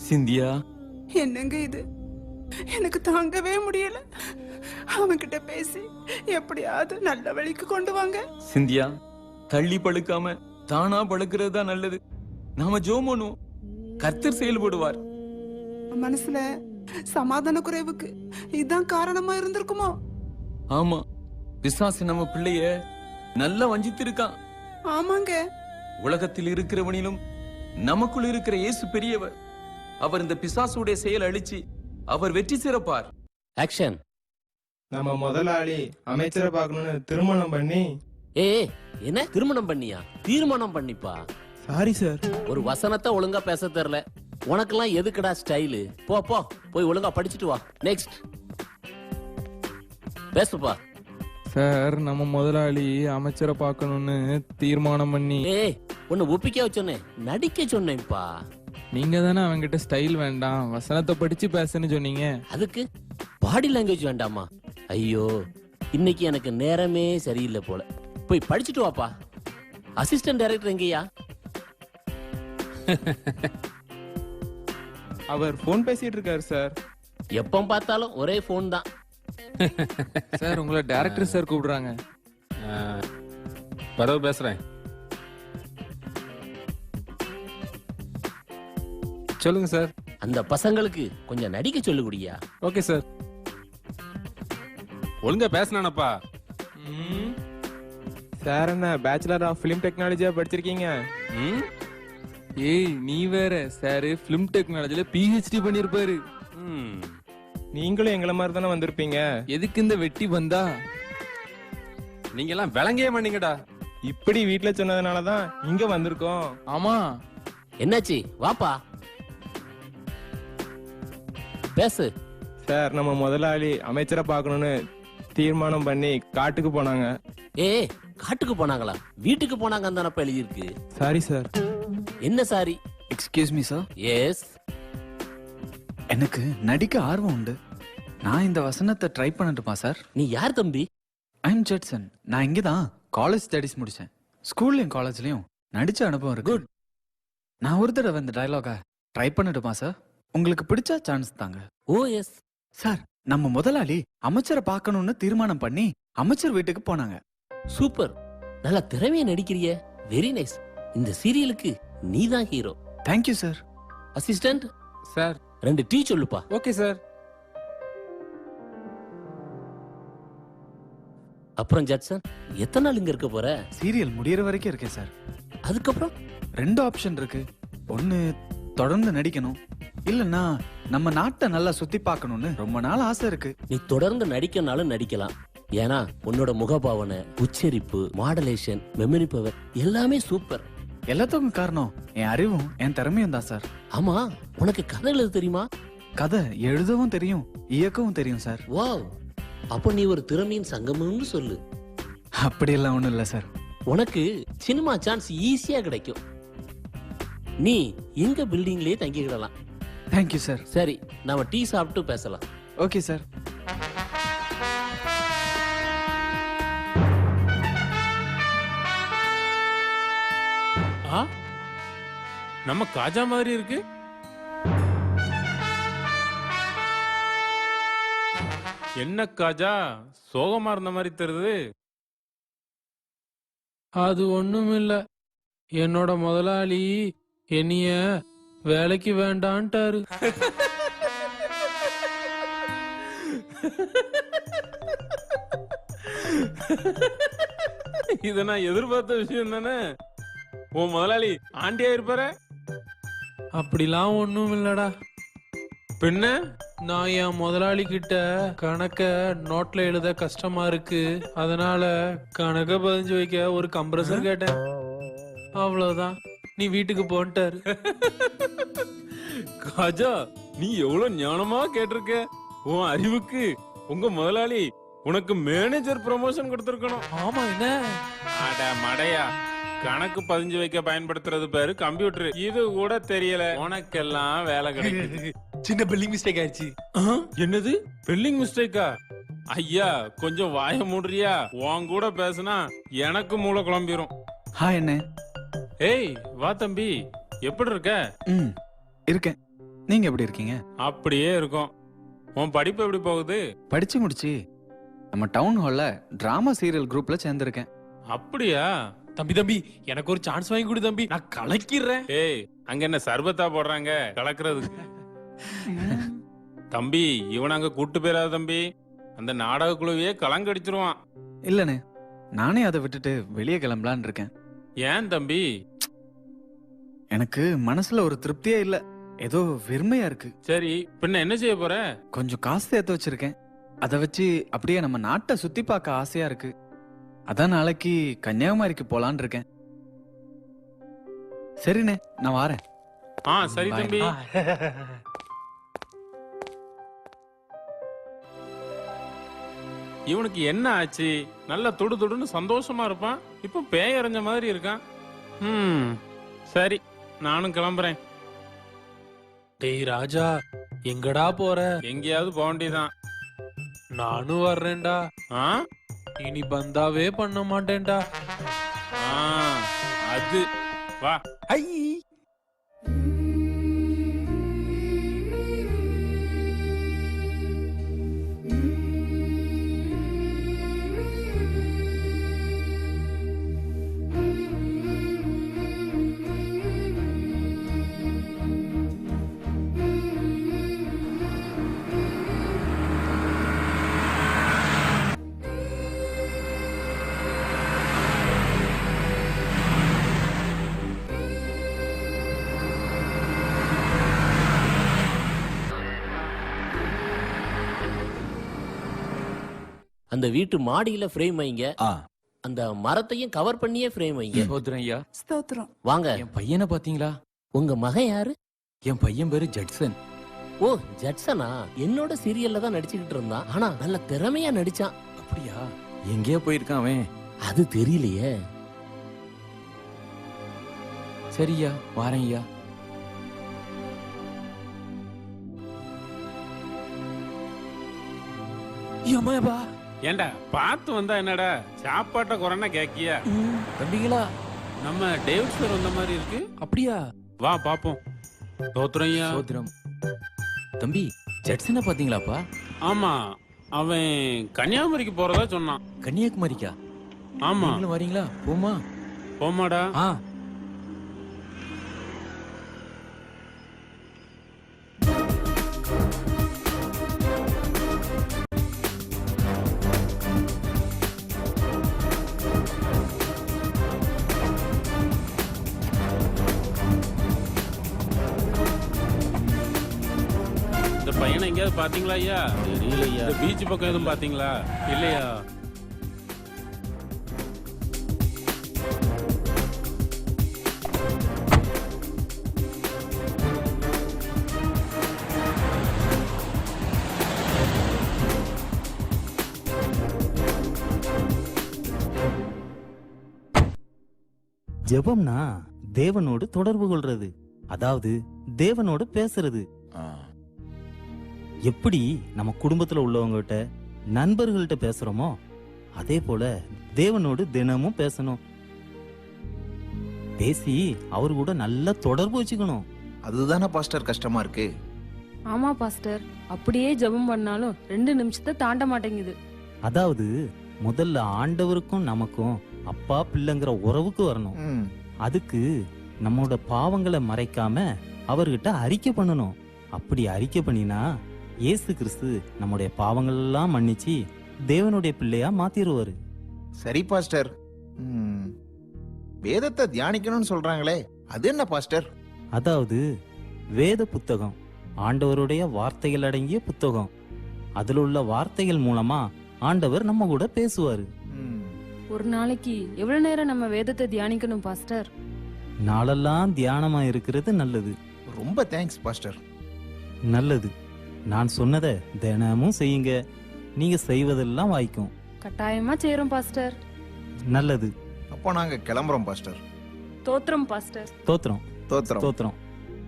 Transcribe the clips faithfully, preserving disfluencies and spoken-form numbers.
சிந்தியா, என்னங்க இது, எனக்கு தாங்கவே முடியல. அவன்கிட்ட பேசி எப்படியாவது நல்ல வழிக்கு கொண்டு வாங்க. சிந்தியா, தள்ளி பழுக்காம தானா பழுக்கிறது தான் நல்லது. நாம ஜெபம் பண்ணுவோம், கர்த்தர் செயல்படுவார். மனசுல சமாதான குறைவுக்கு இதுதான் காரணமா இருந்திருக்குமோ? ஆமா, பிசாசு நம்ம பிள்ளைய நல்லா வஞ்சித்திருக்கான். ஆமாங்க. உலகத்தில் இருக்கிறவனிலும் நமக்குள் இருக்கிற இயேசு பெரியவர். அவர் இந்த பிசாசுடைய செயல் அழிச்சு அவர் வெற்றி சிறப்பார். ஆக்ஷன். நம்ம முதலாளி அமைச்சரை பார்க்கணும்னு திருமணம் பண்ணி. ஏ என்ன திருமணம் பண்ணியா? தீர்மானம் பண்ணிப்பா. Sorry sir. ஒரு வசனத்தை ஒழுங்கா பேச தெரியல உனக்கெல்லாம். எதுக்குடா ஸ்டைலு? போ போ போய் ஒழுங்கா படிச்சுட்டு வா. நெக்ஸ்ட் பேசுப்பா. சார், நம்ம முதலாளி அமைச்சரை பார்க்கணும்னு தீர்மானம் பண்ணி. ஏய் ஒன்னு ஒப்பிக்க சொன்னேன், நடிக்க சொன்னேன்ப்பா. நீங்க தானே அவங்கிட்ட ஸ்டைல் வேண்டாம், வசனத்தை படிச்சு பேசுன்னு சொன்னீங்க. அதுக்கு பாடி லாங்குவேஜ் வேண்டாமா? ஐயோ, இன்னைக்கு எனக்கு நேரமே சரியில்லை போல. போய் படிச்சுட்டு வாப்பா. அசிஸ்டன்ட் டைரக்டர் எங்கயா? அவர் போன் பேசிட்டு இருக்காரு சார். எப்ப பார்த்தாலும் ஒரே போன் தான். சார், உங்களை டைரக்டர் சார் கூப்பிடுறாங்க. பரவ பேசுறேன். சொல்லுங்க சார். அந்த பசங்களுக்கு கொஞ்சம் நடிக்க சொல்லுகுடியா. Okay sir. ஒழுங்கா பேசினானப்பா. சார், என்ன பேச்சுலர் ஆஃப் பிலிம் டெக்னாலஜியா படிச்சிருக்கீங்க? ஏய், நீ வேற. சார் பிலிம் டெக்னாலஜில பிஹெச்டி பண்ணிருப்பாரு. நீங்களும் எங்களை மாதிரி தானே வந்திருப்பீங்க. எதுக்கு இந்த வெட்டி வந்தா? நீங்க எல்லாம் விளங்கே பண்ணீங்கடா. இப்படி வீட்டுல சொன்னதுனாலதான் இங்க வந்திருக்கோம். ஆமா. என்னாச்சு? வாப்பா பேசு. சார், நம்ம முதலாளி அமைச்சரை பார்க்கணும்னு தீர்மானம் பண்ணி காட்டுக்கு போனாங்க. ஏ காட்டுக்கு போனாங்களா? வீட்டுக்கு போனாங்கன்னு தானப்ப எழுதியிருக்கு. Sorry sir. என்ன sorry? Excuse me sir. Yes. எனக்கு நடிக்க ஆர்வம் உண்டு. நான் இந்த வசனத்தை ட்ரை பண்ணட்டுமா சார்? நீ யார் தம்பி? I am Jetson. நான் இங்கே தான் காலேஜ் ஸ்டடிஸ் முடிச்சேன். ஸ்கூல்லையும் காலேஜ்லயும் நடிச்ச அனுபவம் இருக்கு. குட். நான் ஒரு தடவை இந்த டயலாக ட்ரை பண்ணட்டுமா சார்? உங்களுக்கு பிடிச்சா சான்ஸ் தாங்க. ஓ எஸ் சார், நம்ம முதலாளி அமைச்சரை பார்க்கணும்னு தீர்மானம் பண்ணி அமைச்சர் வீட்டுக்கு போனாங்க. சூப்பர். நல்லா திறமையா நடிக்கிறிய. Very nice. இந்த சீரியலுக்கு நீதான் hero. Thank you sir. Assistant sir, ரெண்டு டீ சொல்லுப்பா. Okay sir. அப்புறம் ஜட்சன், எத்தனை நாள் இங்க இருக்க போற? சீரியல் முடியற வரைக்கும் இருக்கேன் சார். அதுக்கப்புறம் ரெண்டு ஆப்ஷன் இருக்கு. ஒன்னு தொடர்ந்து நடிக்கணும், இல்லன்னா நம்ம நாட்டை நல்லா சுத்தி பார்க்கணும்னு ரொம்ப நாள் ஆசை இருக்கு. நீ தொடர்ந்து நடிக்கனாலும் நடிக்கலாம். ஏன்னா உன்னோட முகபாவனை, உச்சரிப்பு, மாடலேஷன், மெமரி பவர் எல்லாமே சூப்பர். எல்லாத்துக்கும் காரணம் என் அறிவும் என் திறமையும் தான் சார். ஆமா, உனக்கு கதை எழுத தெரியுமா? கதை எழுதவும் தெரியும், இயக்கவும் தெரியும் சார். வாவ், அப்ப நீ ஒரு திறமையின் சங்கமம்னு சொல்லு. அப்படியெல்லாம் ஒண்ணும் இல்ல சார். உனக்கு சினிமா சான்ஸ் ஈஸியா கிடைக்கும். நீ எங்க பில்டிங்லயே தங்கிக்கிடலாம். Thank you sir. சரி, நாம டீ சாப்பிட்டு பேசலாம். Okay sir. ஆ, நம்ம காஜா மாதிரி இருக்கு. என்ன காஜா, சோகமா இருந்த மாதிரி தெரியுது. அது ஒண்ணும் இல்ல. என்னோட முதலாளி என்னைய வேலைக்கு வேண்டான்ட்டாரு. இத நான் எதிர்பார்த்த விஷயம் தானே. உன் முதலாளி ஆண்டியா இருப்பாரு. அப்படிலாம் ஒண்ணும் இல்லடா. பின்ன நான் என் முதலாளி கிட்ட கணக்க நோட்ல எழுத கஷ்டமா இருக்கு, அதனால கணக்க பதிஞ்சு வைக்க ஒரு கம்ப்ரஸர் கேட்டேன். அவ்வளவுதான். நீ வீட்டுக்கு போன்ட்டாரு. காஜா, நீ எவ்வளவு ஞானமா கேட்டிருக்க. உன் அறிவுக்கு உங்க முதலாளி உனக்கு மேனேஜர் ப்ரமோஷன் கொடுத்திருக்கணும். ஆமா, என்ன அட மடையா, கணக்கு பதிஞ்சு வைக்க பயன்படுத்துறது பேரு கம்ப்யூட்டர். இது கூட தெரியல. உனக்கெல்லாம் வேலை கிடைக்குது. சின்ன பில்லிங் மிஸ்டேக் ஆயிடுச்சு. என்னது ஸ்பெல்லிங் மிஸ்டேக்கா? ஐயா, கொஞ்சம் வாய மூடுறியா? உன் கூட பேசுனா எனக்கு மூளை குழம்பிரும். ஹாய் அண்ணே. ஏய் வா தம்பி, எப்படி இருக்க? ம் இருக்கேன். நீங்க எப்படி இருக்கீங்க? அப்படியே இருக்கும். உன் படிப்பு எப்படி போகுது? படிச்சு முடிச்சு நம்ம டவுன் ஹால்ல டிராமா சீரியல் குரூப்ல சேர்ந்திருக்கேன். அப்படியா? தம்பி தம்பி எனக்கு ஒரு சான்ஸ் வாங்கி கொடு தம்பி, நான் கலக்கிறேன். ஏய், அங்க என்ன சர்பத்தா போடுறாங்க கலக்குறதுக்கு? தம்பி, இவன் அங்க கூட்டு போயிடாத தம்பி. அந்த நாடக குழுவையே கலங்கடிச்சிருவான். இல்லனே, நானே அதை விட்டுட்டு வெளியே கிளம்பலான்னு இருக்கேன். ஏன் தம்பி? எனக்கு மனசுல ஒரு திருப்தியே இல்ல, ஏதோ வெறுமையா இருக்கு. சரி, பின்ன என்ன செய்ய போற? கொஞ்சம் காசு சேர்த்து வச்சிருக்கேன். அதை வச்சு அப்படியே நம்ம நாட்டை சுத்தி பார்க்க ஆசையா இருக்கு. அதான் நாளைக்கு கன்னியாகுமரிக்கு போலான்னு இருக்கேன். சரிண்ணே, நான் வாரேன். ஆ சரி Bye. தம்பி. இவனுக்கு என்ன ஆச்சு? நல்ல துடு துடுன்னு சந்தோஷமா இருப்பான், இப்ப பேய் அரைஞ்ச மாதிரி இருக்கான். ம் சரி, நானும் கிளம்புறேன். டேய் ராஜா, எங்கடா போற? எங்கேயாவது போக வேண்டியதான். நானும் வர்றேன்டா. ஆ இனி பந்தாவே பண்ண மாட்டேன்டா. ஆ, அது வா. ஐ அந்த வீட்டு மாடியில ஃப்ரேம் வைங்க. ஆ அந்த மரத்தையும் கவர் பண்ணியே ஃப்ரேம் வைங்க. சோதரம் ஐயா, ஸ்தோத்திரம். வாங்க. என் பையனை பாத்தீங்களா? உங்க மகன் யாரு? என் பையன் பேரு ஜட்சன். ஓ, ஜட்சனா? என்னோட சீரியல்ல தான் நடிச்சுக்கிட்டு இருந்தான். ஆனா நல்ல திறமையா நடிச்சான். அப்படியா? எங்கேயா போயிருக்கான் அவன்? அது தெரியலையே. சரியா, வாரேன் ஐயா. ஏமாப்பா, ஏண்டா பார்த்து வந்தா என்னடா சாப்பாட்ட குறைன்னா கேக்கியா? தம்பிங்களா? நம்ம டேவிட் சார் வந்த மாதிரி இருக்கு. அப்படியா? வா பாப்போம். தோத்துறையா? சோதரம் தம்பி, ஜட்சனை பாத்தீங்களாப்பா? ஆமா, அவன் கன்னியாகுமரிக்கு போறதா சொன்னான். கன்னியாகுமரிக்கா? ஆமா, நீங்களும் வரீங்களா? போமா. போமாடா. ஆ இந்த பையனை எங்கேயாவது பாத்தீங்களா ஐயா? தெரியலையா. இந்த பீச் பக்கம் எதுவும் பாத்தீங்களா? இல்லையா? ஜெபம்னா தேவனோடு தொடர்பு கொள்றது, அதாவது தேவனோடு பேசுறது. ஆ. எப்படி நம்ம குடும்பத்துல உள்ளவங்ககிட்ட நண்பர்கள்ட்ட பேசுறோமோ அதே போல தேவனோடு தினமும் பேசணும். பேசி அவரு கூட நல்ல தொடர்பு வச்சுக்கணும். அதுதானே பாஸ்டர் கஷ்டமா இருக்கு. ஆமா பாஸ்டர், அப்படியே ஜெபம் பண்ணாலும் ரெண்டு நிமிஷத்தை தாண்ட மாட்டேங்குது. அதாவது முதல்ல ஆண்டவருக்கும் நமக்கும் அப்பா பிள்ளைங்கிற உறவுக்கு வரணும். ம், அதுக்கு நம்மளோட பாவங்களை மறைக்காம அவர்கிட்ட அறிக்கை பண்ணணும். அப்படி அறிக்கை பண்ணினா இயேசு கிறிஸ்து நம்முடைய பாவங்கள் எல்லாம் மன்னிச்சு தேவனுடைய பிள்ளையா மாத்திருவாரு. சரி பாஸ்டர். ம், வேதத்தை தியானிக்கணும்னு சொல்றாங்களே, அது என்ன பாஸ்டர்? அதாவது வேத புத்தகம் ஆண்டவருடைய வார்த்தைகள் அடங்கிய புத்தகம். அதுல உள்ள வார்த்தைகள் மூலமா ஆண்டவர் நம்ம கூட பேசுவாரு. ம், ஒரு நாளைக்கு எவ்வளவு நேரம் நம்ம வேதத்தை தியானிக்கணும் பாஸ்டர்? நாளெல்லாம் தியானமா இருக்கிறது நல்லது. ரொம்ப தேங்க்ஸ் பாஸ்டர். நல்லது. நான் சொன்னதை தினமும் செய்யுங்க, நீங்க செய்வதெல்லாம் வாய்க்கும். கட்டாயமா செய்றோம் பாஸ்டர். நல்லது. அப்போ நாங்க கிளம்புறோம் பாஸ்டர். தோத்திரம் பாஸ்டர். தோத்திரம் தோத்திரம். தோத்திரம்.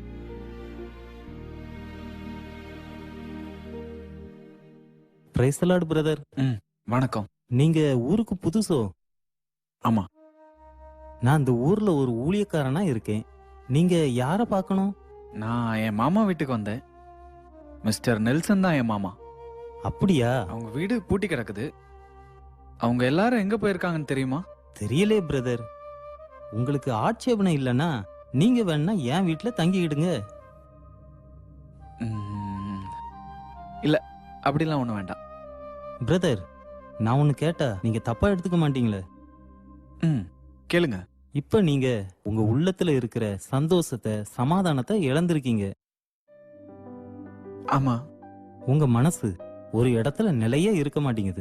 Praise the lord brother. ம், வணக்கம். நீங்க ஊருக்கு புதுசோ? ஆமா. நான் இந்த ஊர்ல ஒரு ஊழியக்காரனா இருக்கேன். நீங்க யார பார்க்கணும்? நான் என் மாமா வீட்டுக்கு வந்தேன். மிஸ்டர் நெல்சன் தான் என் மாமா. அப்படியா? அவங்க வீடு பூட்டி கிடக்குது. அவங்க எல்லாரும் எங்க போயிருக்காங்கன்னு தெரியுமா? தெரியலே பிரதர். உங்களுக்கு ஆட்சேபனை இல்லைன்னா நீங்க வேணா என் வீட்டுல தங்கிக்கிடுங்க. ம், இல்ல அப்படிலாம் ஒண்ணும் வேண்டாம். பிரதர், நான் ஒன்னு கேட்டா நீங்க தப்பா எடுத்துக்க மாட்டீங்களே? ம், கேளுங்க. இப்ப நீங்க உங்க உள்ளத்துல இருக்கிற சந்தோஷத்தை, சமாதானத்தை இழந்திருக்கீங்க. ஆமா. உங்க மனசு ஒரு இடத்துல நிலையே இருக்க மாட்டேங்குது.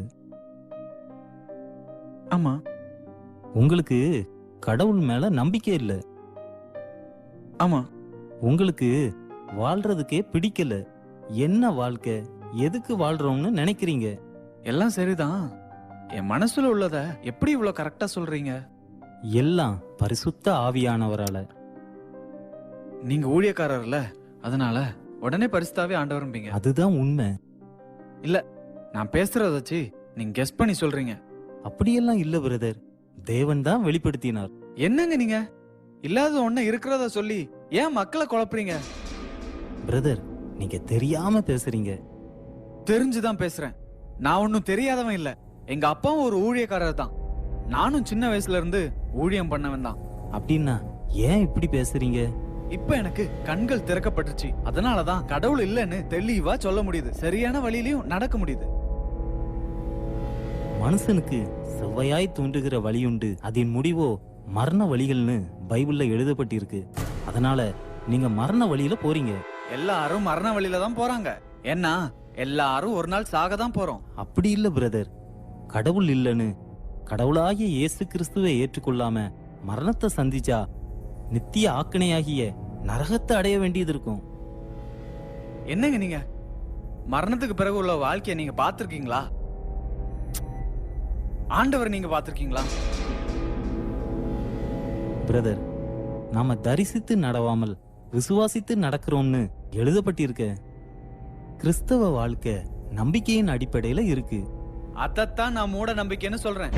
ஆமா. உங்களுக்கு கடவுள் மேல நம்பிக்கை இல்ல. ஆமா. உங்களுக்கு வாழ்றதுக்கே பிடிக்கல. என்ன வாழ்க்கை, எதுக்கு வாழ்றோம்னு நினைக்கிறீங்க? எல்லாம் சரிதான். என் மனசுல உள்ளத எப்படி இவ்வளவு கரெக்டா சொல்றீங்க? எல்லாம் பரிசுத்த ஆவியானவரால. நீங்க ஊழியக்காரர்ல, அதனால உடனே பரிசுத்தாவே ஆண்டவரும்பீங்க. அதுதான் உண்மை. இல்ல, நான் பேசுறத வச்சு நீங்க கெஸ் பண்ணி சொல்றீங்க. அப்படியெல்லாம் இல்ல பிரதர். தேவன் தான் வெளிப்படுத்தினார். என்னங்க நீங்க இல்லாத ஒண்ணு இருக்கிறத சொல்லி ஏன் மக்களை குழப்புறீங்க? பிரதர், நீங்க தெரியாம பேசுறீங்க. தெரிஞ்சுதான் பேசுறேன். நான் ஒன்னும் தெரியாதவன் இல்ல. எங்க அப்பாவும் ஒரு ஊழியக்காரர் தான். நானும் சின்ன வயசுல இருந்து ஊழியம் பண்ணவன் தான். அப்படின்னா ஏன் இப்படி பேசுறீங்க? இப்ப எனக்கு கண்கள் திறக்கப்பட்டுச்சு. அதனாலதான் கடவுள் இல்லைன்னு தெளிவா சொல்ல முடியுது. சரியான வழியிலயும் நடக்க முடியுது. மனுஷனுக்கு செவ்வையாய் தோன்றுகிற வழியுண்டு, அதன் முடிவோ மரண வழிகள்னு பைபிள்ல எழுதப்பட்டிருக்கு. அதனால நீங்க மரண வழியில போறீங்க. எல்லாரும் மரண வழியில தான் போறாங்க. ஏன்னா எல்லாரும் ஒரு நாள் சாக தான் போறோம். அப்படி இல்ல பிரதர். கடவுள் இல்லைன்னு கடவுளாகிய இயேசு கிறிஸ்துவை ஏற்றுக்கொள்ளாம மரணத்தை சந்திச்சா நித்திய ஆக்கினையாகிய நரகத்தை அடைய வேண்டியது இருக்கும். என்னங்க நீங்க மரணத்துக்கு பிறகு உள்ள வாழ்க்கைய நீங்க பாத்திருக்கீங்களா? ஆண்டவர் நீங்க பாத்திருக்கீங்களா? பிரதர், நாம தரிசித்து நடவாமல் விசுவாசித்து நடக்கிறோம்னு எழுதப்பட்டிருக்க. கிறிஸ்தவ வாழ்க்கை நம்பிக்கையின் அடிப்படையில இருக்கு. அதத்தான் நான் மூட நம்பிக்கைன்னு சொல்றேன்.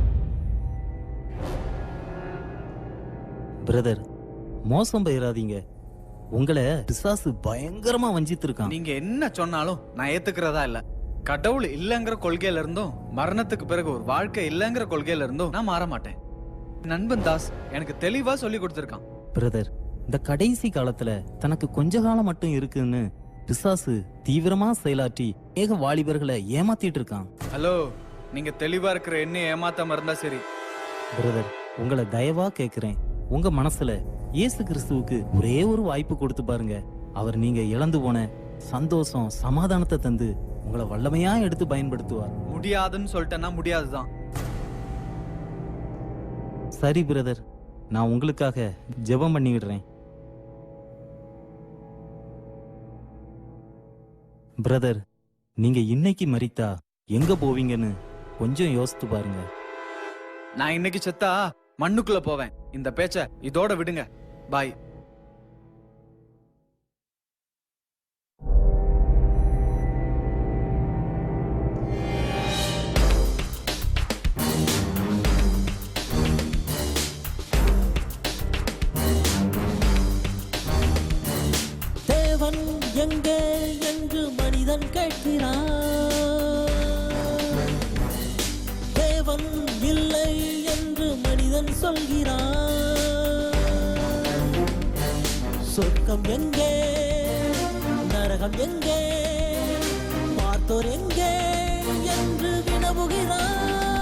பிரதர், மோசம் போயிடாதீங்க. உங்களை பிசாசு பயங்கரமா வஞ்சித்து இருக்கான். நீங்க என்ன சொன்னாலும் நான் ஏத்துக்கிறதா இல்ல. கடவுள் இல்லங்கிற கொள்கையில இருந்தும் மரணத்துக்கு பிறகு ஒரு வாழ்க்கை இல்லங்கிற கொள்கையில இருந்தும் நான் மாற மாட்டேன். நண்பன் தாஸ் எனக்கு தெளிவா சொல்லி கொடுத்திருக்கான். பிரதர், இந்த கடைசி காலத்துல தனக்கு கொஞ்ச காலம் மட்டும் இருக்குன்னு பிசாசு தீவிரமா செயலாற்றி ஏக வாலிபர்களை ஏமாத்திட்டு இருக்கான். ஹலோ, நீங்க தெளிவா இருக்கிற என்ன ஏமாத்தாம இருந்தா சரி. பிரதர், உங்களை தயவா கேக்குறேன். உங்க மனசுல இயேசு கிறிஸ்துவுக்கு ஒரே ஒரு வாய்ப்பு கொடுத்து பாருங்க. அவர் நீங்க இழந்து போன சந்தோஷம், சமாதானத்தை தந்து உங்களை வல்லமையா எடுத்து பயன்படுத்துவார். முடியாதுன்னு சொல்லிட்டேன்னா முடியாதுதான். சரி பிரதர், நான் உங்களுக்காக ஜெபம் பண்ணிவிடுறேன். பிரதர், நீங்க இன்னைக்கு மரித்தா எங்க போவீங்கன்னு கொஞ்சம் யோசித்து பாருங்க. நான் இன்னைக்கு செத்தா மண்ணுக்குள்ள போவேன். இந்த பேச்ச இதோட விடுங்க. பாய். தேவன் எங்கே என்று மனிதன் கேட்கிறான். தேவன் இல்லை என்று மனிதன் சொல்கிறான். சொர்க்கம் எங்கே, நரகம் எங்கே, பார்த்தோர் எங்கே என்று வினவுகிறான்.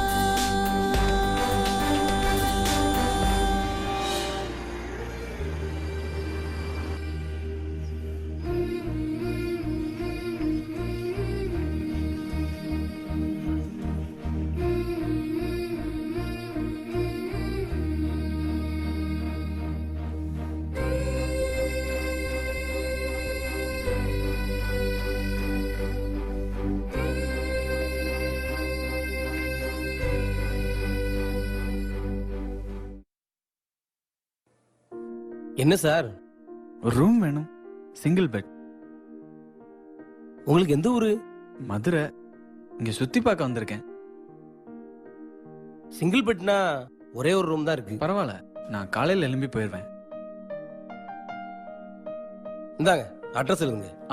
என்ன சார்? ஒரு ரூம் வேணும். Single bed. உங்களுக்கு எந்த ஊரு? மதுரை. இங்க சுத்தி பார்க்க வந்திருக்கேன். சிங்கிள் பெட்னா ஒரே ஒரு ரூம் தான் இருக்கு. பரவாயில்ல, நான் காலையில எழும்பி போயிடுவேன். இந்தாங்க அட்ரஸ் எழுதுங்க. ஆ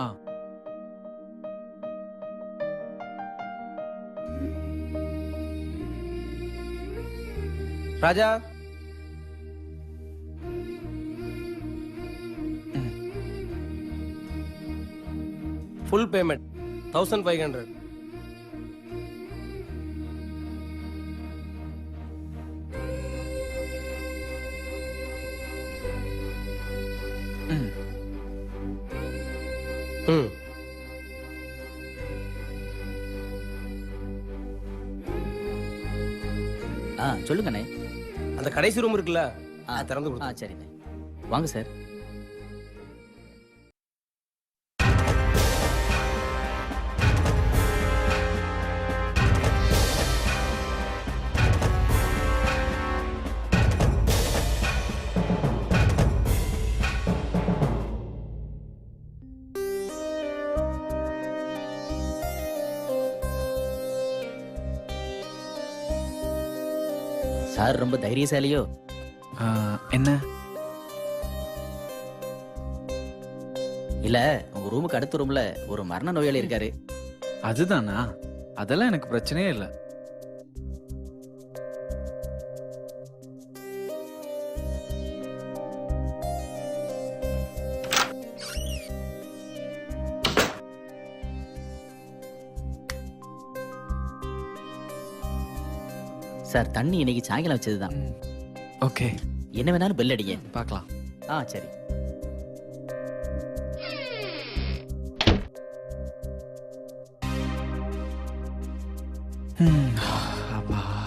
Raja, full payment thousand five hundred. ம் ம் ஆ சொல்லுங்கண்ணே. அந்த கடைசி ரூம் இருக்குல்ல, அது திறந்து ஆ கொடுத்து. சரிண்ணே, வாங்க சார். சார் ரொம்ப தைரியசாலியோ? ஆ, என்ன இல்ல, உங்க ரூமுக்கு அடுத்த ரூம்ல ஒரு மரண நோயாளி இருக்காரு. அதுதானா? அதெல்லாம் எனக்கு பிரச்சனையே இல்லை. சார் தண்ணி இன்னைக்கு சாயங்காலம் வச்சதுதான். ஓகே, என்ன வேணாலும் பெல் அடிங்க. பார்க்கலாம். ஆ சரி. ம், அப்பா